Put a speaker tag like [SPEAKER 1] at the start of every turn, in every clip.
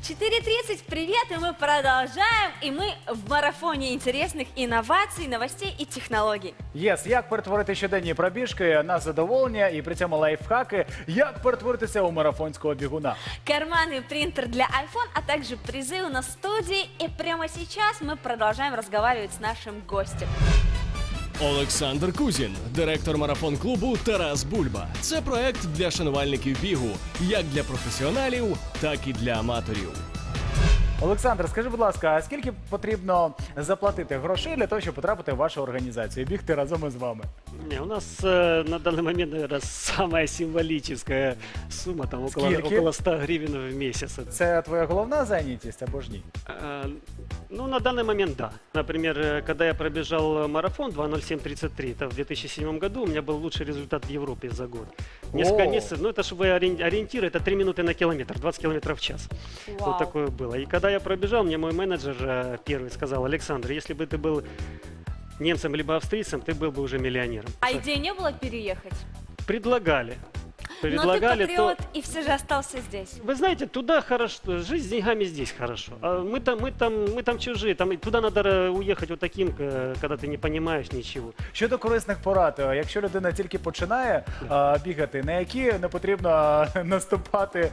[SPEAKER 1] 4:30, привет, и мы продолжаем, и мы в марафоне интересных инноваций, новостей и технологий.
[SPEAKER 2] Єс, як перетворити щоденні пробіжки на задоволення і при цьому лайфхаки, як перетворитися у марафонського бігуна.
[SPEAKER 1] Карманный принтер для iPhone, а также призы у нас в студии. И прямо сейчас мы продолжаем разговаривать с нашим гостем.
[SPEAKER 3] Олександр Кузін, директор марафон-клубу «Тарас Бульба». Це проект для шанувальників бігу, як для професіоналів, так і для аматорів.
[SPEAKER 2] Олександр, скажи, будь ласка, а скільки потрібно заплатити грошей для того, щоб потрапити в вашу організацію і бігти разом із вами?
[SPEAKER 4] Не, у нас на данный момент, наверное, самая символическая сумма, там около 100 гривен в месяц.
[SPEAKER 2] Це твоя головна зайнятість або ж ні?
[SPEAKER 4] Ну, на данный момент, да. Например, когда я пробежал марафон 2:07:33, это в 2007 году, у меня был лучший результат в Европе за год. Несколько месяцев, ну, это, чтобы ориентир, это 3 минуты на километр, 20 километров в час.
[SPEAKER 1] Вау.
[SPEAKER 4] Вот такое было. И когда я пробежал, мне мой менеджер первый сказал: Александр, если бы ты был немцем либо австрийцем, ты был бы уже миллионером.
[SPEAKER 1] А идеи не было переехать?
[SPEAKER 4] Предлагали.
[SPEAKER 1] Но ты
[SPEAKER 4] Предлагали,
[SPEAKER 1] патриот и все же остался здесь.
[SPEAKER 4] Вы знаете, туда хорошо, жизнь с деньгами здесь хорошо. А мы там чужие, там, туда надо уехать вот таким, когда ты не понимаешь ничего.
[SPEAKER 2] Щодо корисних порад, якщо людина тільки починає бігати, на які не потрібно наступати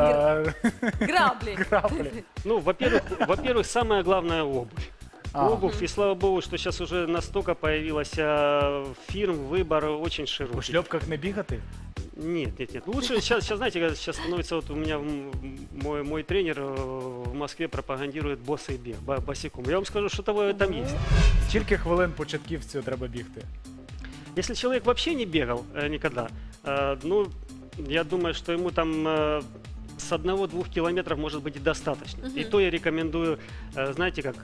[SPEAKER 1] Грабли.
[SPEAKER 2] граблі?
[SPEAKER 4] Ну, во-первых, самое главное обувь. Обувь, и слава богу, что сейчас уже настолько появилась фирм, выбор очень
[SPEAKER 2] У
[SPEAKER 4] широкий.
[SPEAKER 2] шльопках не бігати?
[SPEAKER 4] Нет. Лучше сейчас, знаете, сейчас становится, вот у меня мой тренер в Москве пропагандирует босый бег, босиком. Я вам скажу, что того там есть.
[SPEAKER 2] Скільки хвилин початківцю треба бігти?
[SPEAKER 4] Если человек вообще не бегал никогда, ну, я думаю, что ему там с 1-2 километров может быть и достаточно. И то я рекомендую, знаете как,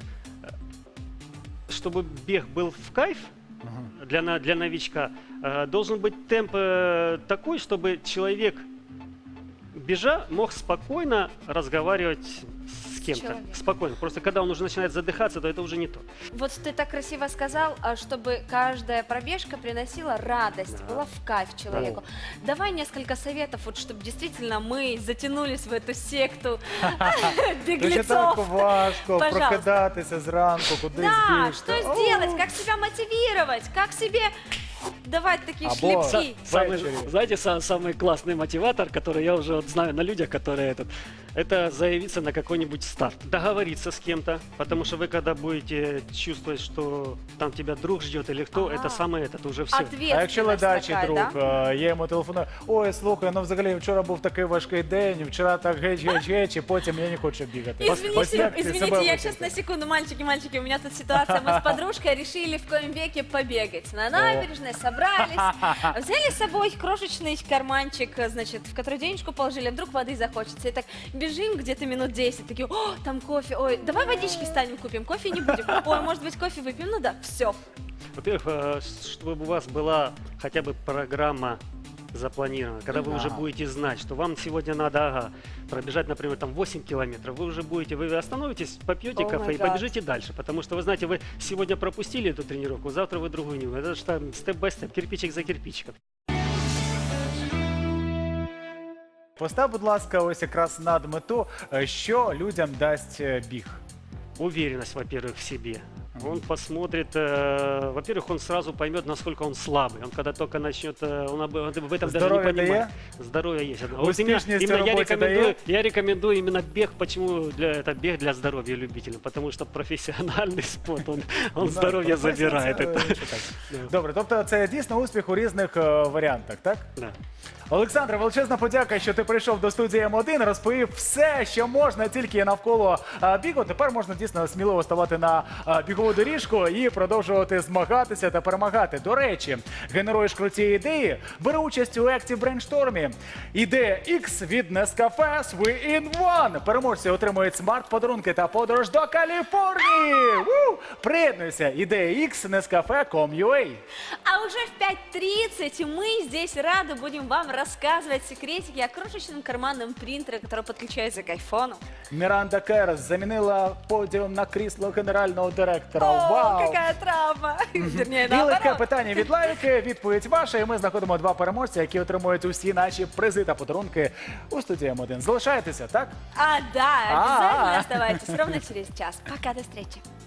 [SPEAKER 4] чтобы бег был в кайф для новичка, должен быть темп такой, чтобы человек, бежа, мог спокойно разговаривать с кем-то.
[SPEAKER 1] человеком.
[SPEAKER 4] Спокойно. Просто когда он уже начинает задыхаться, то это уже не то.
[SPEAKER 1] Вот ты так красиво сказал, чтобы каждая пробежка приносила радость,
[SPEAKER 4] Да.
[SPEAKER 1] была в кайф человеку. Давай несколько советов, вот, чтобы действительно мы затянулись в эту секту
[SPEAKER 2] Дуже так
[SPEAKER 1] беглецов.
[SPEAKER 2] важко
[SPEAKER 1] Пожалуйста.
[SPEAKER 2] прокидатися зранку, кудись
[SPEAKER 1] Да,
[SPEAKER 2] бігти.
[SPEAKER 1] что сделать, как себя мотивировать, как себе давать такие
[SPEAKER 2] Або-
[SPEAKER 1] шлепки.
[SPEAKER 2] Вечером.
[SPEAKER 4] Знаете, самый классный мотиватор, который я уже вот знаю на людях, которые это заявиться на какой-нибудь старт, договориться с кем-то, потому что вы когда будете чувствовать, что там тебя друг ждет или кто, это самое, это уже все.
[SPEAKER 2] А якщо ледачий
[SPEAKER 1] такая,
[SPEAKER 2] друг,
[SPEAKER 1] да?
[SPEAKER 2] я йому телефоную, ой, слухай, ну взагалі вчора був такий важкий день, вчора так геч, і потім я не хочу бігати. Ось
[SPEAKER 1] Извините,
[SPEAKER 2] як ти
[SPEAKER 1] извините,
[SPEAKER 2] себе
[SPEAKER 1] я сейчас
[SPEAKER 2] викликав?
[SPEAKER 1] на секунду, мальчики, у меня тут ситуация, мы с подружкой решили в коем веке побегать. На набережной собрались, взяли с собой крошечный карманчик, значит, в который денежку положили, а вдруг воды захочется. И так бежим где-то минут 10, такие, о, там кофе, ой, давай водички станем купим, кофе не будем, ой, может быть, кофе выпьем, ну да, все.
[SPEAKER 4] Во-первых, чтобы у вас была хотя бы программа запланирована, когда вы уже будете знать, что вам сегодня надо пробежать, например, там 8 километров, вы уже будете, вы остановитесь, попьете
[SPEAKER 1] Oh
[SPEAKER 4] кафе
[SPEAKER 1] my
[SPEAKER 4] и
[SPEAKER 1] God.
[SPEAKER 4] побежите дальше, потому что вы знаете, вы сегодня пропустили эту тренировку, завтра вы другую не будете. Это же там степ-бай-степ, кирпичик за кирпичиком.
[SPEAKER 2] Постав, будь ласка, ось якраз над мету, що людям дасть біг.
[SPEAKER 4] Уверенность, во-первых, в себе. Он посмотрит, во-первых, он сразу поймет, насколько он слабый. Он когда только начнет, он в этом даже
[SPEAKER 2] Здоровье
[SPEAKER 4] не понимает.
[SPEAKER 2] дає?
[SPEAKER 4] Здоровье есть.
[SPEAKER 2] Успешность в
[SPEAKER 4] именно
[SPEAKER 2] работе
[SPEAKER 4] я рекомендую именно бег. Почему это бег для здоровья любителям? Потому что профессиональный спорт, он здоровье забирает.
[SPEAKER 2] Добре, тобто це дійсно успіх у різних варіантах, так?
[SPEAKER 4] Да.
[SPEAKER 2] Олександре, величезна подяка, що ти прийшов до студії М1, розповів все, що можна тільки навколо бігу. Тепер можна дійсно сміливо ставати на бігову доріжку і продовжувати змагатися та перемагати. До речі, генеруєш круті ідеї, бери участь у екті брейнштормі. Ідея X від Nescafe Sweet in One. Переможці отримують смарт-подарунки та подорож до Каліфорнії. Приєднуйся. Ідея X Nescafe.com.ua.
[SPEAKER 1] А уже в 5:30 мы здесь рады будем вам рассказывать секретики о крошечном карманном принтере, который подключается к айфону.
[SPEAKER 2] Міранда Керс замінила подіум на крісло генерального директора.
[SPEAKER 1] О,
[SPEAKER 2] Вау!
[SPEAKER 1] какая травма! Вернее,
[SPEAKER 2] І легке
[SPEAKER 1] наоборот.
[SPEAKER 2] питання від Лавіки, відповідь ваша, і ми знаходимо 2 переможця, які отримують усі наші призи та подарунки у студії М1. Залишайтеся, так?
[SPEAKER 1] А, да, обязательно
[SPEAKER 2] А-а.
[SPEAKER 1] оставайтесь ровно через час. Пока, до встречи.